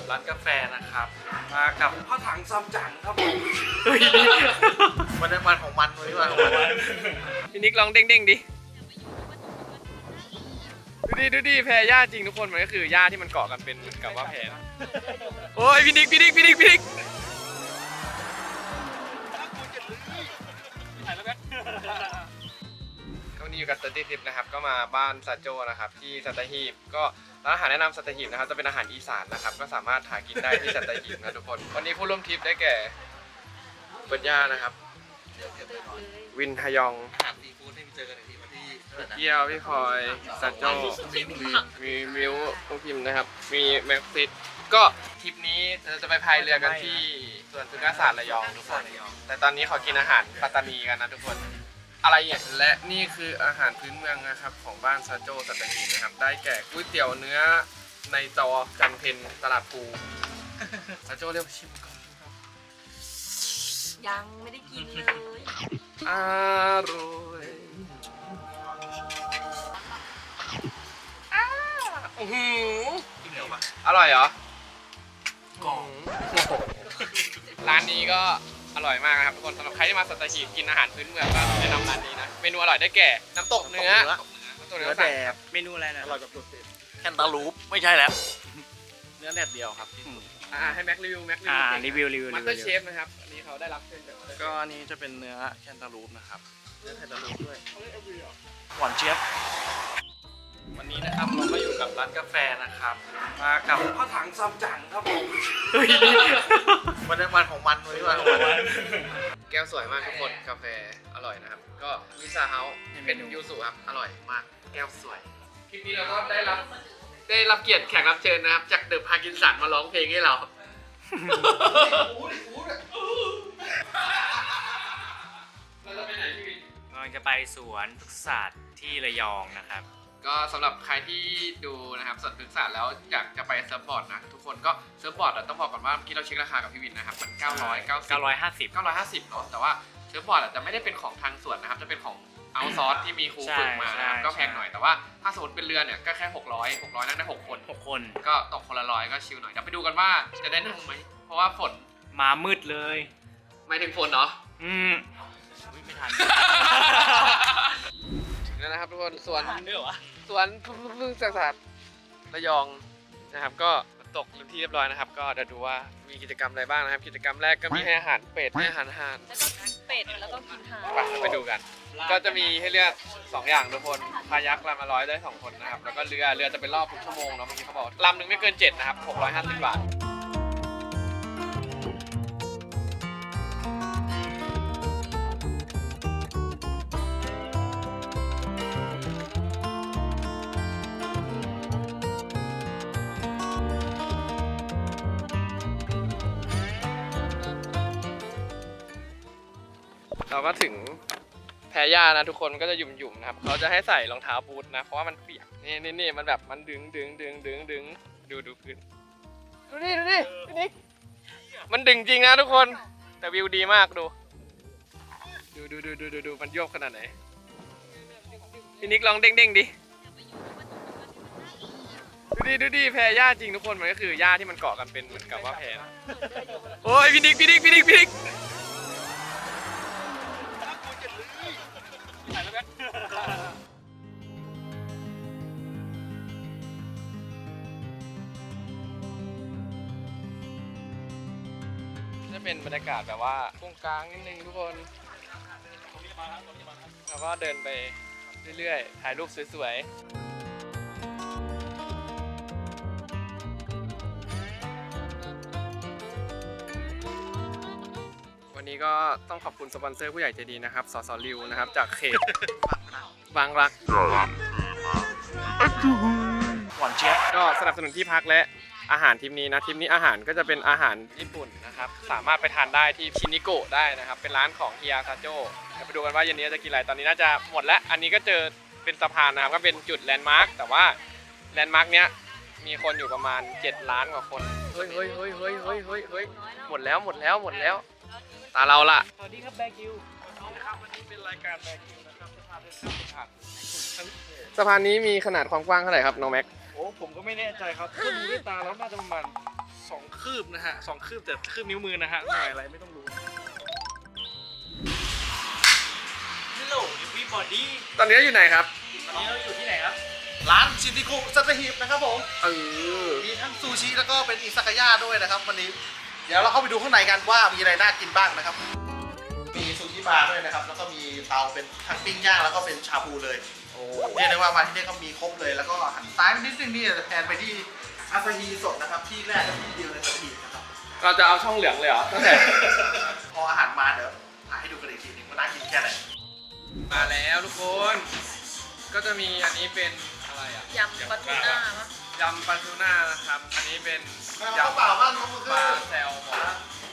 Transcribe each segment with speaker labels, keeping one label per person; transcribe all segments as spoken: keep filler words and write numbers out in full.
Speaker 1: ร้านกาแฟนะครับมากับพ่อถังซัมจั๋งครับผมวันนี้วันของมันวันนี้วันของมันพี่นิกลองเด้งๆดิดูดิดูดิแพรหญ้าจริงทุกคนมันก็คือหญ้าที่มันเกาะกันเป็นเหมือนกับว่าแพรโอ้ยพี่นิกพี่นิกพี่นิกพี่นิกก็วันนี้อยู่กับสตีทิปนะครับก็มาบ้านซาโจนะครับที่สัตหีบก็ร้านอาหารแนะนำสัตหีบนะครับจะเป็นอาหารอีสานนะครับก็สามารถหากินได้ที่สัตหีบนะทุกคนวันนี้ผู้ร่วมทริปได้แก่เปิดย่านะครับวินฮยอง
Speaker 2: อาหารซีฟู้ดที่เจอกันที่วันที่
Speaker 1: เกียวพี่พลอยซาโจมีมิวผู้พิมพ์นะครับมีแม็กซิสก็ทริปนี้เราจะไปพายเรือกันที่สวนสุนทรศาสตร์ระยองทุกคนแต่ตอนนี้ขอกินอาหารปัตตานีกันนะทุกคนอะไรอย่างและนี่คืออาหารพื้นเมืองนะครับของบ้านซาโจสัตหีบนะครับได้แก่ก๋วยเตี๋ยวเนื้อในจอจันเพนตลาดภูซาโจเรียกชิมก่อนครับ
Speaker 3: ยังไม่ได้กินเลย
Speaker 1: อร่อยอ้าโอ้โหกินเหนียวปะอร่อยเหรอกรอบร้านนี้ก็อร่อยมากนะครับทุกคนสำหรับใครที่มาสัตหีบกินอาหารพื้นเมืองก็แนะนำร้านนี้นะเมนูอร่อยได้แก่น้ำตกเนื้อน้ำตกเนื้อแบบ
Speaker 2: เมนูอะไรนะ
Speaker 1: อร่อยกับสุด
Speaker 2: แคนตาลูปไม่ใช่แล้วเนื้อแดดเดียวครับ
Speaker 1: อ่าให้แม็กรีวิวแม็กรีวิว
Speaker 2: อ่ารีวิวรีวิว
Speaker 1: มาสเตอร์เชฟนะครับอันนี้เขาได้รับเชิญจาก
Speaker 2: ก็อันนี้จะเป็นเนื้อแคนตาลูปนะครับเนื้อแคนตาลูปด้วยหวานเจี๊ยบ
Speaker 1: วันนี้นะครับเราก็อยู่กับร้านกาแฟนะครับมากับพ่อถังซัมจั๋งครับผมวันนี้วันของมันวันนี้วันของมันแก้วสวยมากทุกคนกาแฟอร่อยนะครับก็มิซาเฮาส์เป็นยูสุครับอร่อยมากแก้วสวยคลิปนี้เราก็ได้รับได้รับเกียรติแขกรับเชิญนะครับจากเดอะพาร์กินสันมาร้องเพลงให้เราเราจะไปไหนพี่วิน
Speaker 4: เราจะไปสวนพฤกษศาสตร์ที่ระยองนะครับ
Speaker 1: ก็สำหรับใครที่ดูนะครับสวนพฤกษศาสตร์แล้วอยากจะไปเซิร์ฟบอร์ดนะทุกคนก็เซิร์ฟบอร์ดต้องบอกก่อนว่าเมื่อกี้เราเช็คราคากับพี่วินนะครับมันเก้าร้อยเก้าสิบ
Speaker 4: เก้าร้อยห้าสิบ
Speaker 1: เก้าร้อยห้าสิบเนาะแต่ว่าเซิร์ฟบอร์ดอาจจะไม่ได้เป็นของทางสวนนะครับจะเป็นของเอาซอร์สที่มีครูฝึกมานะครับก็แพงหน่อยแต่ว่าถ้าสมมติเป็นเรือเนี่ยก็แค่หกร้อย หกร้อยนั่งได้หกคน
Speaker 4: หกคน
Speaker 1: ก็ตกคนละร้อยก็ชิลหน่อยเดี๋ยวไปดูกันว่าจะได้นั่งไหมเพราะว่าฝน
Speaker 4: มามืดเลย
Speaker 1: ไม่ถึงฝนเนาะ
Speaker 4: อืมไม่ทัน
Speaker 1: นั่นนะครับทุกคนสวน
Speaker 4: ด้วยวะ
Speaker 1: สวนพึ่งศาสตร์ระยองนะครับก็ตกที่เรียบร้อยนะครับก็เดี๋ยวดูว่ามีกิจกรรมอะไรบ้างนะครับกิจกรรมแรกก็มีให้อาหารเป็ดให้อาหารห่าน
Speaker 3: แล้วก็เป็ดแล้วก็กินห่าน
Speaker 1: ไปไปดูกันก็จะมีให้เลือกสองอย่างทุกคนคายักลำละร้อยได้สองคนนะครับแล้วก็เรือเรือจะเป็นรอบทุกชั่วโมงเนาะเมื่อกี้เขาบอกลำหนึ่งไม่เกินเจ็ดนะครับหกร้อยห้าสิบบาทเราก็ถึงแพรหญ้านะทุกคนก็จะหยุ่มๆนะครับเขาจะให้ใส่รองเท้าบูทนะเพราะว่ามันเปียกนี่นี่นี่มันแบบมันดึงดึงดึงดึงดึงดูดูพื้นดูนี่ดูนี่พี่นิกมันดึงจริงนะทุกคนแต่วิวดีมากดูดูดูดูดูดูดูมันโยกขนาดไหนพี่นิกลองเด้งเด้งดิดูดิดูดิแพรหญ้าจริงทุกคนมันก็คือหญ้าที่มันเกาะกันเป็นเหมือนกับว่าแพรโอ้ยพี่นิกพี่นิกพี่นิกพี่นิกจะเป็นบรรยากาศแบบว่าตรงกลางนิดนึงทุกคนแล้วก็เดินไปเรื่อยๆถ่ายรูปสวยๆวันนี้ก็ต้องขอบคุณสปอนเซอร์ผู้ใหญ่ใจดีนะครับสสริวนะครับจากเขตบางรัก
Speaker 2: หวานเจี๊ยบ
Speaker 1: ก็สนับสนุนที่พักและอาหารทีมนี้นะทีมนี้อาหารก็จะเป็นอาหารญี่ปุ่นนะครับสามารถไปทานได้ที่ชินิโกะได้นะครับเป็นร้านของเฮียซาโจเดี๋ยวไปดูกันว่าเย็นนี้จะกินอะไรตอนนี้น่าจะหมดแล้วอันนี้ก็เจอเป็นสะพานนะครับก็เป็นจุดแลนด์มาร์คแต่ว่าแลนด์มาร์คเนี้ยมีคนอยู่ประมาณเจ็ดล้านกว่าคนเฮ้ยเฮ้ยเฮ้ยเฮ้ยเฮ้ยเฮ้ยเฮ้ยหมดแล้วหมดแล้วหมดแล้วตาเราละ
Speaker 4: สวัสดีครับแบกิว
Speaker 1: นะครับวันนี้เป็นรายการแบกิวนะครับสะพานเดินข้ามสะพานนี้มีขนาดความกว้างเท่าไหร่ครับน้องแม็ก
Speaker 2: โอ้ผมก็ไม่แน่ใจครับถ้าดูด้วยตาแล้วน่าจะประมาณสองคืบนะฮะสองคืบแต่คืบนิ้วมือนะฮะหน่อยอะไรไม่ต้องรู้
Speaker 4: ฮัลโหลพี่บอดี้
Speaker 1: ตอนนี้อยู่ไหนครับ
Speaker 4: ตอนนี้เราอยู่ที่ไหนครับ
Speaker 5: ร้านชินติคุซัตหิบนะครับผม
Speaker 1: เออ
Speaker 5: มีทั้งซูชิแล้วก็เป็นอิซากายะด้วยนะครับวันนี้ เดี๋ยวเราเข้าไปดูข้างในกันว่ามีอะไรน่ากินบ้างนะครับ มีซูชิบาร์ด้วยนะครับ แล้วก็มีเตาเป็นทั้งปิ้งย่างแล้วก็เป็นชาบูเลย
Speaker 1: โอ้
Speaker 5: เรียกได้ว่ามาที่นี่ก็มีครบเลย แล้วก็หันซ้ายไปนิดนึงนี่จะแทนไปที่อาซาฮีสดนะครับ ที่แรกและที่เดียวในสัตหีบนะครับ
Speaker 1: เราจะเอาช่องเหลืองเลยเหรอตั้งแต่
Speaker 5: พออาหารมาเดี๋ยวถ่ายให้ดูกันอีกทีหนึงว่าน่ากินแค่ไหน
Speaker 1: มาแล้วทุกคน ก็จะมีอันนี้เป็นอะไรอ่ะ
Speaker 3: ยำปลาทูน่าปะ
Speaker 1: ยำปลาทูน่านะครับ อันนี้เป็น
Speaker 5: เอา
Speaker 1: ยำ
Speaker 5: เปล่าบ้างน้องมือ
Speaker 1: ปลาแซลมอน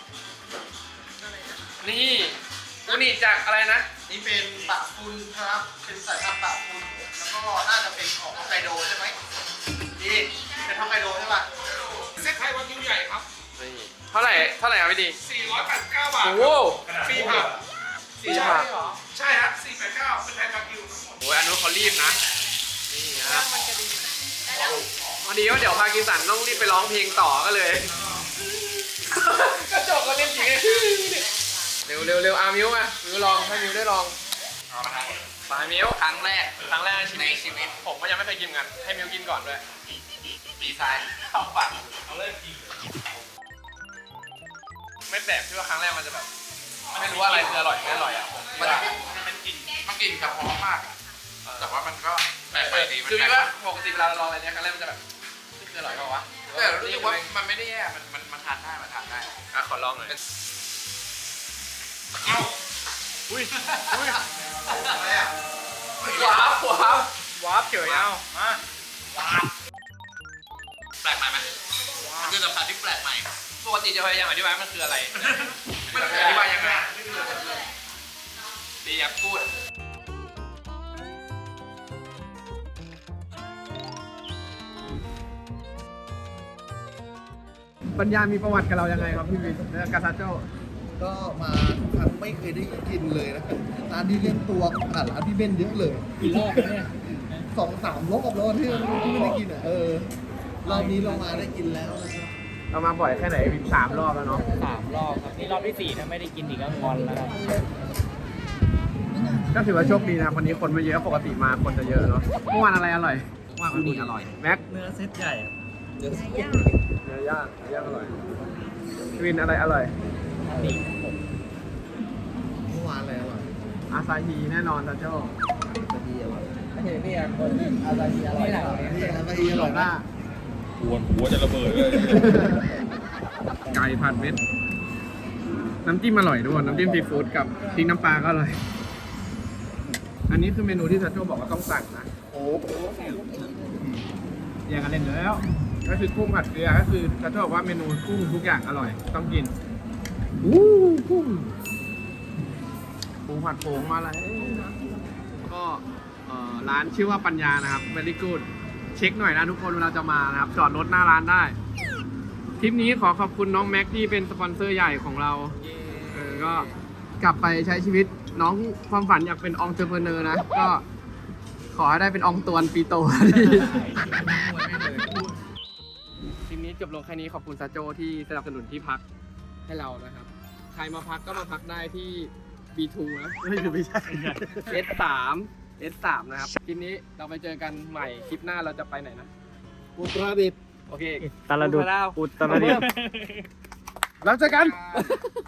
Speaker 1: นี่อูนี่จากอะไรนะ
Speaker 5: นี่เป็นปะปุนครับ เป็นสายพันธุ์ปะปุนแล้วก็น่าจะเป็นของฮอกไกโดใช่ไหมดีเป็นฮอกไกโดใช่ป่ะ
Speaker 2: เซ็ตไทยวากิวใหญ่ครับ
Speaker 1: นี่เท่าไหร่เท่าไหร่ครับพี่ดี
Speaker 2: สี่ร้อยแปดสิบเก้าบาท
Speaker 1: โอ้โห
Speaker 2: ฟรีผัก
Speaker 1: สี่ผัก
Speaker 2: ใช่ฮะสี่แปดเก้าเป็นไทยวากิวทั้งหมด
Speaker 1: โอ้ยอันนู้นเขารีบนะ นี่ครับ
Speaker 3: มันกระดิ่งได้แล้ว
Speaker 1: พอดีว่าเดี๋ยวพากินสันต้องรีบไปร้องเพลงต่อก็เลย กระจกก็เล่นจริงเร็วเร็วเร็วอามิวมามิวลองให้มิวได้ลองปลามิวครั้งแรกครั้งแรกในชีวิตชีวิตผมก็ยังไม่เคยกินกันให้มิวกินก่อนด้วยดีไซน์เข้าปากเอาเลยไม่แปลกที่ว่าครั้งแรกมันจะแบบไม่รู้ว่าอะไรคืออร่อยไม่อร่อยอ่ะผมคิดว่า
Speaker 2: มันกลิ่นมันกลิ่นกับหอมมากอะแต่ว่ามันก็แปลกไปดีมัน
Speaker 1: คือ
Speaker 2: แปล
Speaker 1: คิด
Speaker 2: ก
Speaker 1: ว่าปกติเวลาเราลองอะไรเนี้ยครั้งแรกมันจะแบบนี่คืออร่อยเปล่าวะ
Speaker 2: แต่รู้สึกว่ามันไม่ได้แย่ มันมันมันทานได้ มันทานได้
Speaker 1: อ่ะขอลองหน่อย
Speaker 2: เอ้า
Speaker 1: อุ้ยอุ้ย
Speaker 5: อะไรอ่ะ
Speaker 1: ว้าวว้าว
Speaker 4: วาร์ปเฉยเอามา
Speaker 2: แปลกใหม่ไหมมันคือสัมผัสที่แปลกใหม่
Speaker 1: ปกติจะพยายามอธิบายมันคืออะไร
Speaker 2: มันอธิบายยังไง
Speaker 1: ดีอยากพูดปัญญามีประวัติกับเรายังไงครับพี่วินเรื่องกาซาโจ
Speaker 5: ก็มาทุกครั้งไม่เคยได้กินเลยนะร้านที่เล่นตัวผ่านร้านพี่เบนเยอะเลย
Speaker 4: กี่รอบแล้วเนี่ย
Speaker 5: สองสามรอบแล้วที่ที่ไม่ได้กินอ่ะเออรอบนี้เรามาได้กินแล้วนะครับ
Speaker 1: เรามาบ่อยแค่ไหนวินสามรอบแล้วเนาะ
Speaker 4: สามรอบครับนี่รอบที่สี่ถ้าไม่ได้กินอีกก็งอนแล้วครับ
Speaker 1: ก็ถือว่าโชคดีนะครับวันนี้คนไม่เยอะปกติมาคนจะเยอะเนาะเมื่อวานอะไรอร่อยเมื่อวานอูนิอร่อยแม็ก
Speaker 4: เนื้อเซตใหญ่
Speaker 1: เนื้อย่างเนื้อย่างอร่อยวินอะไรอร่อย
Speaker 4: นี่
Speaker 5: เมื่อวานอะไรอร่อย
Speaker 1: อาซาฮีแน่นอนซาโจ
Speaker 5: อาซาฮีอร่อย
Speaker 4: ไม่เห็นพี่อ่ะคนอาซาฮีอร่อย
Speaker 5: นี่อาซาฮีอร่อยมาก
Speaker 2: หัวหัวจะระเบิดเลย
Speaker 1: ไก่ผัดเม็ดน้ำจิ้มอร่อยด้วยน้ำจิ้มซีฟู้ดกับพริกน้ำปลาก็อร่อย อันนี้คือเมนูที่ซาโจบอกว่าต้องสั่งนะ
Speaker 5: โอ้โห
Speaker 1: แยกกันเล่นแล้ว ก็คือกุ้งผัดเกลือก็คือซาโจบอกว่าเมนูกุ้งทุกอย่างอร่อย ต้องกินอู้กุ้งปูผัดโผงมาแล้วก็เอ่อร้านชื่อว่าปัญญานะครับ very good เช็คหน่อยนะทุกคนเวลาจะมานะครับ จอดรถหน้าร้านได้ ทริปนี้ขอขอบคุณน้องแม็กที่เป็นสปอนเซอร์ใหญ่ของเรา เออ ก็กลับไปใช้ชีวิตน้องความฝันอยากเป็นองค์เจอเพเนอร์นะ ก็ขอให้ได้เป็นองค์ตวนปีโตที่ทริปนี้จบลงแค่นี้ขอบคุณซาโจที่สนับสนุนที่พักให้เรานะครับ ใครมาพักก็มาพักได้ที่ บี ทู นะ ไม่ใช่ไม่ใช่ เอส สาม เอส สาม นะครับคลิปนี้เราไปเจอกันใหม่คลิปหน้าเราจะไปไหนนะ
Speaker 5: อุตรดิตถ์
Speaker 1: โอเค
Speaker 4: ตาลดุดอุตรดิตถ์
Speaker 1: แล้วเจอกัน